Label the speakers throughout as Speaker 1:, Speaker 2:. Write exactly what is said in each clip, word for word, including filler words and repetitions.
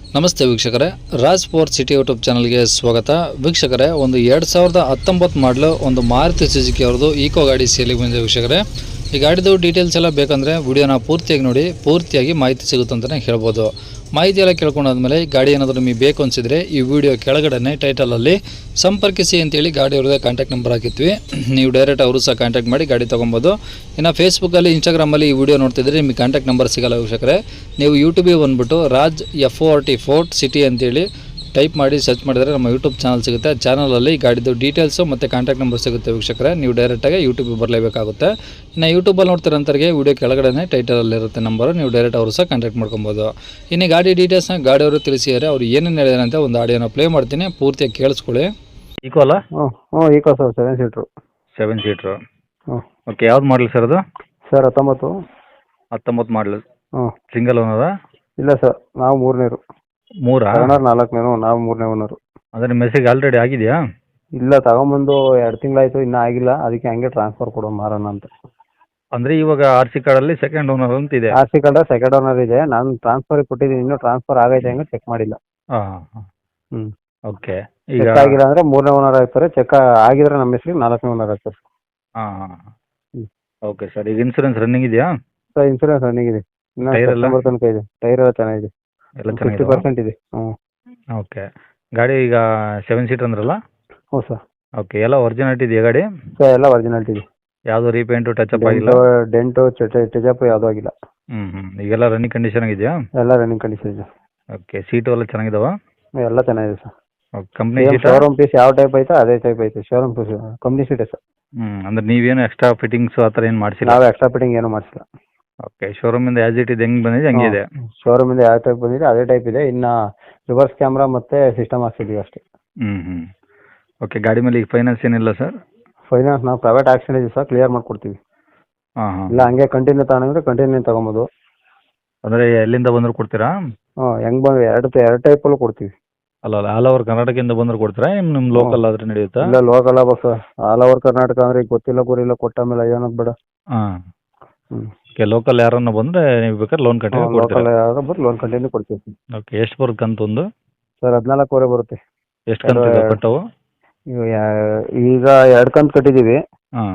Speaker 1: ನಮಸ್ತೆ ವೀಕ್ಷಕರೇ, Raj four city YouTube ಚಾನಲ್ಗೆ ಸ್ವಾಗತ. ವೀಕ್ಷಕರೇ, ಒಂದು ಎರಡು ಸಾವಿರದ ಹತ್ತೊಂಬತ್ತು ಮಾಡಲು ಒಂದು ಮಾರುತಿ ಸುಜುಕಿ ಅವ್ರದ್ದು ಈಕೋ ಗಾಡಿ ಸೇಲಿಗೆ ಬಂದಿದೆ. ವೀಕ್ಷಕರೇ, ಈ ಗಾಡಿದು ಡೀಟೇಲ್ಸ್ ಎಲ್ಲ ಬೇಕಂದರೆ ವಿಡಿಯೋನ ಪೂರ್ತಿಯಾಗಿ ನೋಡಿ, ಪೂರ್ತಿಯಾಗಿ ಮಾಹಿತಿ ಸಿಗುತ್ತೆ ಅಂತಲೇ ಹೇಳ್ಬೋದು. ಮಾಹಿತಿ ಎಲ್ಲ ಕೇಳ್ಕೊಂಡಾದ್ಮೇಲೆ ಗಾಡಿ ಏನಾದರೂ ನಿಮಗೆ ಬೇಕು ಅನಿಸಿದರೆ ಈ ವಿಡಿಯೋ ಕೆಳಗಡೆ ಟೈಟಲಲ್ಲಿ ಸಂಪರ್ಕಿಸಿ ಅಂತೇಳಿ ಗಾಡಿ ಅವ್ರದ್ದೇ ಕಾಂಟ್ಯಾಕ್ಟ್ ನಂಬರ್ ಹಾಕಿದ್ವಿ. ನೀವು ಡೈರೆಕ್ಟ್ ಅವರು ಸಹ ಕಾಂಟ್ಯಾಕ್ಟ್ ಮಾಡಿ ಗಾಡಿ ತೊಗೊಬೋದು. ಇನ್ನು ಫೇಸ್ಬುಕ್ಕಲ್ಲಿ, ಇನ್ಸ್ಟಾಗ್ರಾಮಲ್ಲಿ ಈ ವಿಡಿಯೋ ನೋಡ್ತಿದ್ರೆ ನಿಮಗೆ ಕಾಂಟ್ಯಾಕ್ಟ್ ನಂಬರ್ ಸಿಗಲ್ಲ ವೀಕ್ಷಕರೇ. ನೀವು ಯೂಟ್ಯೂಬಿಗೆ ಬಂದುಬಿಟ್ಟು Raj F O R T fort city ಅಂತೇಳಿ ಟೈಪ್ ಮಾಡಿ ಸರ್ಚ್ ಮಾಡಿದರೆ ನಮ್ಮ ಯೂಟ್ಯೂಬ್ ಚಾನಲ್ ಸಿಗುತ್ತೆ. ಆ ಚಾನಲಲ್ಲಿ ಗಾಡಿದು ಡೀಟೇಲ್ಸು ಮತ್ತು ಕಾಂಟ್ಯಾಕ್ಟ್ ನಂಬರ್ ಸಿಗುತ್ತೆ ವೀಕ್ಷಕರೇ. ನೀವು ಡೈರೆಕ್ಟಾಗಿ ಯೂಟ್ಯೂಬಿಗೆ ಬರಲೇಬೇಕಾಗುತ್ತೆ. ಇನ್ನು ಯೂಟ್ಯೂಬಲ್ಲಿ ನೋಡ್ತಿರೋಂಥವ್ರಿಗೆ ವಿಡಿಯೋ ಕೆಳಗಡೆ ಟೈಟಲಲ್ಲಿರುತ್ತೆ ನಂಬರು, ನೀವು ಡೈರೆಕ್ಟ್ ಅವರು ಸಹ ಕಾಂಟ್ಯಾಕ್ಟ್ ಮಾಡ್ಕೊಬೋದು. ಇನ್ನು ಗಾಡಿ ಡೀಟೇಲ್ಸ್ನ ಗಾಡಿಯವರು ತಿಳಿಸಿದ್ದಾರೆ. ಅವ್ರು ಏನೇನು ಹೇಳಿದಾರೆ ಅಂತ ಒಂದು ಆಡಿಯೋನ ಪ್ಲೇ ಮಾಡ್ತೀನಿ, ಪೂರ್ತಿಯಾಗಿ ಕೇಳಿಸ್ಕೊಳ್ಳಿ. ಈಕೋ ಅಲ್ಲ?
Speaker 2: ಹ್ಞೂ ಹ್ಞೂ Eeco sir, seven seater.
Speaker 1: Seven seater
Speaker 2: ಹ್ಞೂ.
Speaker 1: ಓಕೆ, ಯಾವ್ದು ಮಾಡಲಿ ಸರ್ ಅದು?
Speaker 2: ಸರ್ ಹತ್ತೊಂಬತ್ತು.
Speaker 1: ಹತ್ತೊಂಬತ್ತು ಮಾಡಲು.
Speaker 2: ಹ್ಞೂ.
Speaker 1: ಸಿಂಗಲ್ ಓನರಾ?
Speaker 2: ಇಲ್ಲ ಸರ್, ನಾವು ಮೂರನೇರು.
Speaker 1: ಮೂರಾ?
Speaker 2: ಓನರ್ ನಾಲ್ಕನೇನು, ನಾವು ಮೂರನೇ ಓನರು.
Speaker 1: ಅಂದರೆ ನಿಮ್ಮ ಮೆಸೇಜ್ ಆಲ್ರೆಡಿ ಆಗಿದೆಯಾ?
Speaker 2: ಇಲ್ಲ, ತಗೊಂಬಂದು ಎರಡು ತಿಂಗಳಾಯಿತು, ಇನ್ನೂ ಆಗಿಲ್ಲ. ಅದಕ್ಕೆ ಹಂಗೆ ಟ್ರಾನ್ಸ್ಫರ್ ಕೊಡೋ ಮಾರೋಣ ಅಂತ.
Speaker 1: ಅಂದರೆ ಇವಾಗ ಆರ್ ಸಿ ಕಾರ್ಡಲ್ಲಿ ಸೆಕೆಂಡ್ ಓನರ್ ಅಂತ ಇದೆ.
Speaker 2: R C card second owner ಇದೆ. ನಾನು ಟ್ರಾನ್ಸ್ಫರ್ ಕೊಟ್ಟಿದ್ದೀನಿ, ಇನ್ನೂ ಟ್ರಾನ್ಸ್ಫರ್ ಆಗೈತೆ ಹಂಗೆ ಚೆಕ್ ಮಾಡಿಲ್ಲ.
Speaker 1: ಹಾಂ ಹಾಂ.
Speaker 2: ಹ್ಞೂ.
Speaker 1: ಓಕೆ. ಈಗ
Speaker 2: ಚೆಕ್ ಆಗಿಲ್ಲ ಅಂದರೆ ಮೂರನೇ ಓನರ್ ಆಗ್ತಾರೆ, ಚೆಕ್ ಆಗಿದ್ರೆ ನಮ್ಮ ಹೆಸರಿಗೆ ನಾಲ್ಕನೇ ಓನರ್ ಆಗ್ತಾರೆ.
Speaker 1: ಹಾಂ ಹಾಂ.
Speaker 2: ಹ್ಞೂ.
Speaker 1: ಓಕೆ ಸರ್, ಈಗ ಇನ್ಸೂರೆನ್ಸ್ ರನ್ನಿಂಗ್ ಇದೆಯಾ?
Speaker 2: ಸರ್ ಇನ್ಸೂರೆನ್ಸ್ ರನ್ನಿಂಗ್ ಇದೆ, ಇನ್ನೂ
Speaker 1: ಟೈರ್ ಎಲ್ಲ?
Speaker 2: ಸೆಪ್ಟೆಂಬರ್ ತನಕ ಇದೆ. ಟೈರ್ ಎಲ್ಲ ಚೆನ್ನಾಗಿದೆ,
Speaker 1: ಎಲ್ಲ
Speaker 2: ಫಿಫ್ಟಿ
Speaker 1: ಚೆನ್ನಾಗಿದೆ.
Speaker 2: ಪರ್ಸೆಂಟ್ ಇದೆ. ಹ್ಞೂ.
Speaker 1: ಓಕೆ. ಗಾಡಿ ಈಗ ಸೆವೆನ್ ಸೀಟರ್ ಅಂದ್ರಲ್ಲ?
Speaker 2: ಹ್ಞೂ ಸರ್.
Speaker 1: ಓಕೆ, ಎಲ್ಲ ಒರಿಜಿನಾಲಿಟಿ ಇದೆಯಾ ಗಾಡಿ?
Speaker 2: ಸರ್ ಎಲ್ಲ ಒರಿಜಿನಾಲಿಟಿ ಇದೆ.
Speaker 1: ಯಾವುದು ರೀಪೇಂಟು ಟಚಪ್ ಆಗಿಲ್ಲ?
Speaker 2: ಡೆಂಟು ಟಚಪ್ ಯಾವುದೂ ಆಗಿಲ್ಲ.
Speaker 1: ಹ್ಞೂ ಹ್ಞೂ. ಈಗೆಲ್ಲ ರನ್ನಿಂಗ್ ಕಂಡೀಷನ್ ಆಗಿದೆಯಾ?
Speaker 2: ಎಲ್ಲ ರನ್ನಿಂಗ್ ಕಂಡೀಷನ್ ಇದೆ.
Speaker 1: ಓಕೆ, ಸೀಟು ಎಲ್ಲ ಚೆನ್ನಾಗಿದಾವ?
Speaker 2: ಎಲ್ಲ ಚೆನ್ನಾಗಿದೆ sir.
Speaker 1: Okay, company seat?
Speaker 2: Showroom piece ಯಾವ ಟೈಪ್ ಐತೆ ಅದೇ ಟೈಪ್ ಐತೆ. ಶೋರೂಮ್ ಪೀಸ್ ಕಂಪ್ನಿ ಸೀಟೇ ಸರ್.
Speaker 1: ಹ್ಞೂ, ಅಂದ್ರೆ ನೀವೇನು ಎಕ್ಸ್ಟ್ರಾ ಫಿಟ್ಟಿಂಗ್ಸು ಆ ಥರ ಏನು ಮಾಡಿಸಿಲ್ಲ?
Speaker 2: ನಾವು ಎಕ್ಸ್ಟ್ರಾ ಫಿಟ್ಟಿಂಗ್ ಏನೂ ಮಾಡಿಸಿಲ್ಲ.
Speaker 1: ಓಕೆ, ಶೋರೂಮಿಂದ ಆ್ಯಸ್ ಇಟ್ ಇದು ಹೆಂಗೆ ಬಂದಿದೆ ಹಂಗೆ ಇದೆ?
Speaker 2: ಶೋರೂಮಿಂದ ಯಾವ ಟೈಪ್ ಬಂದಿದೆ ಅದೇ ಟೈಪ್ ಇದೆ. ಇನ್ನು ರಿವರ್ಸ್ ಕ್ಯಾಮ್ರಾ ಮತ್ತು ಸಿಸ್ಟಮ್ ಹಾಕ್ಸಿದ್ದೀವಿ ಅಷ್ಟೇ.
Speaker 1: ಹ್ಞೂ ಹ್ಞೂ. ಓಕೆ, ಗಾಡಿ ಮೇಲೆ ಈಗ ಫೈನಾನ್ಸ್ ಏನಿಲ್ಲ ಸರ್?
Speaker 2: ಫೈನಾನ್ಸ್ ನಾವು ಪ್ರೈವೇಟ್ ಆಕ್ಷನ್ ಇದೆ ಸರ್, ಕ್ಲಿಯರ್ ಮಾಡಿಕೊಡ್ತೀವಿ.
Speaker 1: ಹಾಂ ಹಾಂ.
Speaker 2: ಇಲ್ಲ ಹಂಗೆ ಕಂಟಿನ್ಯೂ ತಗೊಂಡ್ರೆ ಕಂಟಿನ್ಯೂ ತೊಗೊಬೋದು.
Speaker 1: ಅಂದರೆ ಎಲ್ಲಿಂದ ಬಂದರೂ ಕೊಡ್ತೀರಾ?
Speaker 2: ಹ್ಞೂ, ಹೆಂಗೆ ಬಂದು ಎರಡು ಎರಡು ಟೈಪಲ್ಲೂ ಕೊಡ್ತೀವಿ.
Speaker 1: ಅಲ್ಲ ಅಲ್ಲ, ಆಲ್ ಓವರ್ ಕರ್ನಾಟಕದಿಂದ ಬಂದರೂ ಕೊಡ್ತೀರಾ, ಏನು ನಿಮ್ಮ ಲೋಕಲ್ ಆದ್ರೆ ನಡೆಯುತ್ತಾ?
Speaker 2: ಇಲ್ಲ ಲೋಕಲ್ ಆಗ್ಬೇಕು ಸರ್. ಆಲ್ ಓವರ್ ಕರ್ನಾಟಕ ಅಂದರೆ ಈಗ ಗೊತ್ತಿಲ್ಲ ಗುರಿಲ್ಲ ಕೊಟ್ಟ ಮೇಲೆ ಏನದು ಬೇಡ.
Speaker 1: ಹಾಂ.
Speaker 2: ಹ್ಞೂ.
Speaker 1: ಓಕೆ, ಲೋಕಲ್ ಯಾರನ್ನ ಬಂದರೆ ನೀವು ಬೇಕಾದ್ರೆ ಲೋನ್ ಕಟ್ಟಿ
Speaker 2: ಲೋಕಲ್
Speaker 1: ಕೊಡ್ತೀರಾ?
Speaker 2: ಯಾವಾಗ ಬಂದು ಲೋನ್ ಕಂಟಿನ್ಯೂ ಕೊಡ್ತೀವಿ.
Speaker 1: ಓಕೆ, ಎಷ್ಟು ಬರುತ್ತೆ ಕಂತು ಒಂದು?
Speaker 2: ಸರ್ ಹದಿನಾಲ್ಕೂವರೆ ಬರುತ್ತೆ.
Speaker 1: ಎಷ್ಟು ಕಂತು ಇದೆ ಕಟ್ಟವು?
Speaker 2: ಈಗ ಯಾ- ಈಗ ಎರಡು ಕಂತು ಕಟ್ಟಿದ್ದೀವಿ.
Speaker 1: ಹಾಂ.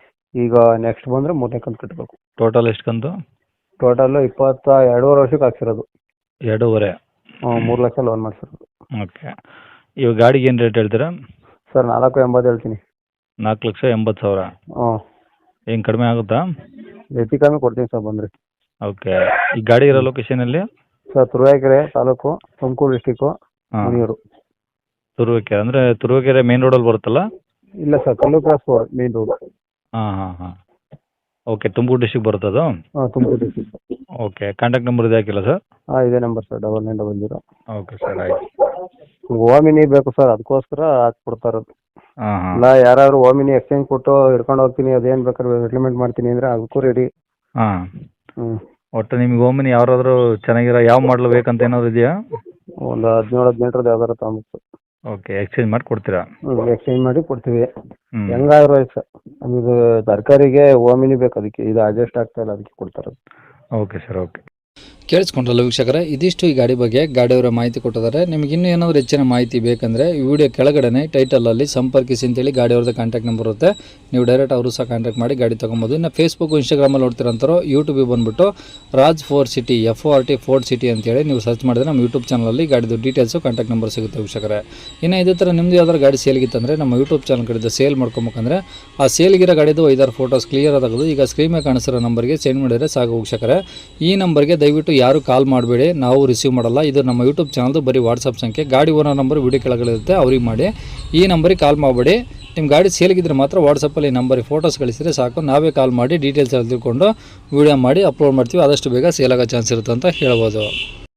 Speaker 2: ಈಗ ನೆಕ್ಸ್ಟ್ ಬಂದರೆ ಮೂರನೇ ಕಂತು ಕಟ್ಟಬೇಕು.
Speaker 1: ಟೋಟಲ್ ಎಷ್ಟು ಕಂತು?
Speaker 2: ಟೋಟಲ್ಲು ಇಪ್ಪತ್ತ ಎರಡೂವರೆ ವರ್ಷಕ್ಕೆ ಹಾಕ್ಸಿರೋದು.
Speaker 1: ಎರಡೂವರೆ?
Speaker 2: ಹ್ಞೂ, ಮೂರು ಲಕ್ಷ ಲೋನ್ ಮಾಡಿಸಿರೋದು.
Speaker 1: ಓಕೆ. ಇವಾಗ ಗಾಡಿಗೆ ಏನು ರೇಟ್ ಹೇಳ್ತೀರಾ?
Speaker 2: ಸರ್ ನಾಲ್ಕು ಎಂಬತ್ತು ಹೇಳ್ತೀನಿ.
Speaker 1: ನಾಲ್ಕು ಲಕ್ಷ ಎಂಬತ್ತು ಸಾವಿರ?
Speaker 2: ಹ್ಞೂ.
Speaker 1: ಏನು ಕಡಿಮೆ ಆಗುತ್ತಾ?
Speaker 2: ಹೆಚ್ಚು ಕಮ್ಮಿ ಕೊಡ್ತೀನಿ ಸರ್ ಬಂದರೆ.
Speaker 1: ಓಕೆ. ಈ ಗಾಡಿ ಇರೋ ಲೊಕೇಶನಲ್ಲಿ?
Speaker 2: ಸರ್ ತುರುವೇಕೆರೆ ತಾಲೂಕು, ತುಮಕೂರು ಡಿಸ್ಟಿಕ್ಕು,
Speaker 1: ಹಾಂ.
Speaker 2: ಮುನಿಯೂರು.
Speaker 1: ತುರುವೇಕೆರೆ ಅಂದರೆ ತುರುವೇಕೆರೆ ಮೇನ್ ರೋಡಲ್ಲಿ ಬರುತ್ತಲ್ಲ?
Speaker 2: ಇಲ್ಲ ಸರ್, ಕಲ್ಲು ಕ್ರಾಸ್ ರೋಡ್ ಮೇನ್ ರೋಡ್.
Speaker 1: ಹಾಂ ಹಾಂ ಹಾಂ. ಓಕೆ, ತುಮಕೂರು ಡಿಸ್ಟಿಕ್ ಬರುತ್ತದು?
Speaker 2: ಹಾಂ, Tumakuru district.
Speaker 1: Okay, contact number ಇದೆ ಹಾಕಿಲ್ಲ ಸರ್?
Speaker 2: ಹಾಂ, ಇದೇ number sir, double nine double zero.
Speaker 1: Okay sir, ಆಯಿತು.
Speaker 2: ಓಮಿನಿ ಬೇಕು ಸರ್, ಅದಕ್ಕೋಸ್ಕರ ಹಾಕ್ಕೊಡ್ತಾ ಇರೋದು.
Speaker 1: ಹಾಂ ಹಾಂ.
Speaker 2: ಇಲ್ಲ ಯಾರಾದ್ರು ಓಮಿನಿ ಎಕ್ಸ್ಚೇಂಜ್ ಕೊಟ್ಟು ಹಿಡ್ಕೊಂಡು ಹೋಗ್ತೀನಿ, ಅದೇನು ಬೇಕಾದ್ರೆ ಸೆಟ್ಲ್ಮೆಂಟ್ ಮಾಡ್ತೀನಿ ಅಂದರೆ ಅದಕ್ಕೂ ರೆಡಿ.
Speaker 1: ಹಾಂ.
Speaker 2: ಹ್ಞೂ.
Speaker 1: ಒಟ್ಟು ನಿಮ್ಗೆ ಓಮಿನಿ ಯಾರಾದರೂ ಚೆನ್ನಾಗಿರೋ ಯಾವ ಮಾಡಲು ಬೇಕಂತ ಏನಾದ್ರು ಇದೆಯಾ?
Speaker 2: ಒಂದು ಹದಿನೇಳು ಹದಿನೆಂಟರದ್ದು ಯಾವ್ದಾರು ತಗೊಂಬೇಕು.
Speaker 1: ಓಕೆ, ಎಕ್ಸ್ಚೇಂಜ್ ಮಾಡಿ ಕೊಡ್ತೀರಾ?
Speaker 2: ಹ್ಞೂ, ಎಕ್ಸ್ಚೇಂಜ್ ಮಾಡಿ ಕೊಡ್ತೀವಿ.
Speaker 1: ಹ್ಞೂ.
Speaker 2: ಹೆಂಗಾದ್ರು ಆಯ್ತು ಸರ್, ನಮದು ತರಕಾರಿಗೆ ಓಮಿನಿ ಬೇಕು, ಅದಕ್ಕೆ ಇದು ಅಡ್ಜಸ್ಟ್ ಆಗ್ತಾ ಇಲ್ಲ, ಅದಕ್ಕೆ ಕೊಡ್ತಾರೆ.
Speaker 1: Okay sir, okay. ಕೇಳಿಸ್ಕೊಂಡ್ರಲ್ಲ ವೀಕ್ಷಕರೇ, ಇದಿಷ್ಟು ಈ ಗಾಡಿ ಬಗ್ಗೆ ಗಾಡಿಯವರ ಮಾಹಿತಿ ಕೊಟ್ಟಿದ್ದಾರೆ. ನಿಮಗೆ ಇನ್ನೂ ಏನಾದರೂ ಹೆಚ್ಚಿನ ಮಾಹಿತಿ ಬೇಕಂದರೆ ಈ ವಿಡಿಯೋ ಕೆಳಗಡೆ ಟೈಟಲಲ್ಲಿ ಸಂಪರ್ಕಿಸಿ ಅಂತೇಳಿ ಗಾಡಿಯವ್ರದ್ದು ಕಾಂಟ್ಯಾಕ್ಟ್ ನಂಬರ್ ಇರುತ್ತೆ. ನೀವು ಡೈರೆಕ್ಟ್ ಅವರು ಸಹ ಕಾಂಟ್ಯಾಕ್ಟ್ ಮಾಡಿ ಗಾಡಿ ತೊಗೊಬೋದು. ಇನ್ನು ಫೇಸ್ಬುಕ್ ಇನ್ಸ್ಟಾಗ್ರಾಮಲ್ಲಿ ನೋಡ್ತಿರೋಂಥವ್ರು ಯೂಟ್ಯೂಬಿಗೆ ಬಂದುಬಿಟ್ಟು Raj four city F O R T fort city ಅಂತೇಳಿ ನೀವು ಸರ್ಚ್ ಮಾಡಿದ್ರೆ ನಮ್ಮ ಯೂಟ್ಯೂಬ್ ಚಾನಲಲ್ಲಿ ಗಾಡಿದು ಡೀಟೇಲ್ಸು ಕಾಂಟ್ಯಾಕ್ಟ್ ನಂಬರ್ ಸಿಗುತ್ತೆ ವೀಕ್ಷಕರೇ. ಇನ್ನು ಇದೇ ಥರ ನಿಮ್ಮದು ಯಾವ್ದಾದ್ರು ಗಾಡಿ ಸೇಲ್ಗಿತ್ತಂದರೆ ನಮ್ಮ ಯೂಟ್ಯೂಬ್ ಚಾನಲ್ ಕಡೆದು ಸೇಲ್ ಮಾಡ್ಕೊಬೇಕಂದ್ರೆ ಆ ಸೇಲ್ಗಿರೋ ಗಾಡಿದು ಐದಾರು ಫೋಟೋಸ್ ಕ್ಲಿಯರ್ ಆಗೋದು ಈಗ ಸ್ಕ್ರೀನ್ ಮೇಲೆ ಕಾಣಿಸಿರೋ ನಂಬರ್ಗೆ ಸೆಂಡ್ ಮಾಡಿದರೆ ಸಾಕು ವೀಕ್ಷಕರೇ. ಈ ನಂಬರ್ಗೆ ದಯವಿಟ್ಟು ಯಾರು ಕಾಲ್ ಮಾಡಬೇಡಿ, ನಾವು ರಿಸೀವ್ ಮಾಡಲ್ಲ. ಇದು ನಮ್ಮ ಯೂಟ್ಯೂಬ್ ಚಾನಲ್ದು ಬರೀ ವಾಟ್ಸಪ್ ಸಂಖ್ಯೆ. ಗಾಡಿ ಓನರ್ ನಂಬರ್ ವಿಡಿಯೋ ಕೆಳಗಡೆ ಇರುತ್ತೆ, ಅವ್ರಿಗೆ ಮಾಡಿ. ಈ ನಂಬರಿಗೆ ಕಾಲ್ ಮಾಡಬೇಡಿ. ನಿಮ್ಮ ಗಾಡಿ ಸೇಲ್ಗಿದ್ರೆ ಮಾತ್ರ ವಾಟ್ಸಪ್ಪಲ್ಲಿ ಈ ನಂಬರಿಗೆ ಫೋಟೋಸ್ ಕಳಿಸಿದರೆ ಸಾಕು, ನಾವೇ ಕಾಲ್ ಮಾಡಿ ಡೀಟೇಲ್ಸ್ ಎಲ್ಲ ತಿಳ್ಕೊಂಡು ವೀಡಿಯೋ ಮಾಡಿ ಅಪ್ಲೋಡ್ ಮಾಡ್ತೀವಿ. ಆದಷ್ಟು ಬೇಗ ಸೇಲ್ ಆಗೋ ಚಾನ್ಸ್ ಇರುತ್ತೆ ಅಂತ ಹೇಳ್ಬೋದು.